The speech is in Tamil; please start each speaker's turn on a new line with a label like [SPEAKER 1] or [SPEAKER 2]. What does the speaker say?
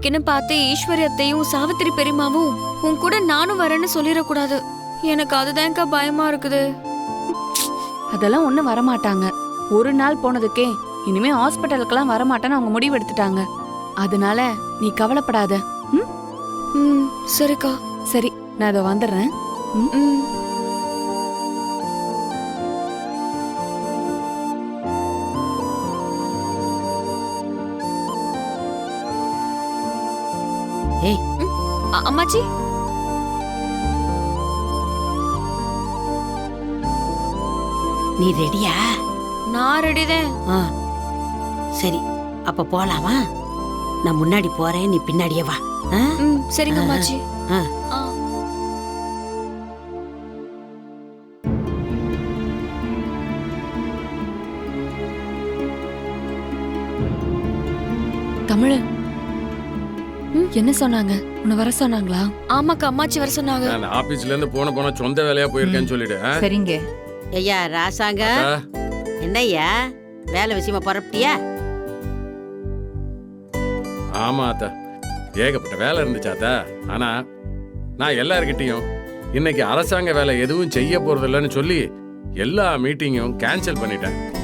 [SPEAKER 1] இன்னைக்குன்னு பார்த்து ஈஸ்வரியத்தையும் சாவித்திரி பெரியமாவும் உன் கூட நானும் வரேன்னு சொல்லிடக்கூடாது. எனக்கு அதுதான்க்கா பயமா இருக்குது.
[SPEAKER 2] அதெல்லாம் ஒண்ணும் வரமாட்டாங்க. ஒரு நாள் போனதுக்கே இனிமே ஹாஸ்பிட்டலுக்கெல்லாம் வரமாட்டேன்னு அவங்க முடிவு எடுத்துட்டாங்க. அதனால நீ கவலைப்படாத.
[SPEAKER 1] ம் சரிக்கா.
[SPEAKER 2] சரி, நான் அதை வந்துடுறேன்.
[SPEAKER 1] ம்
[SPEAKER 3] ஏய்
[SPEAKER 1] அம்மாச்சி.
[SPEAKER 3] நீ ரெடியா?
[SPEAKER 1] நான் ரெடிதான்.
[SPEAKER 3] ஆ சரி, அப்ப போலாமா? நான் முன்னாடி போறேன், நீ பின்னாடியே வா. ஆ?
[SPEAKER 1] ம் சரிங்க அம்மாச்சி.
[SPEAKER 3] ஆ.
[SPEAKER 1] ஆ.
[SPEAKER 2] தமிழ் என்ன சொன்னாங்க? உன்னை வர சொன்னாங்களா?
[SPEAKER 1] ஆமாக்கா, அம்மாச்சி வர சொன்னாங்க.
[SPEAKER 4] நான் ஆபீஸ்ல இருந்து போன சொந்த வேலையா போயிருக்கேன்னு சொல்லிடு.
[SPEAKER 5] சரிங்க.
[SPEAKER 3] ஐயா ராசாங்க, என்னய்யா வேலை விஷயமா புறப்பட்டியா?
[SPEAKER 4] ஆமா அத்தா, ஏகப்பட்ட வேலை இருந்துச்சாத்தா. ஆனா நான் எல்லார்கிட்டையும் இன்னைக்கு அரசாங்க வேலை எதுவும் செய்ய போறது இல்லைன்னு சொல்லி எல்லா மீட்டிங்கும் கேன்சல் பண்ணிட்டேன்.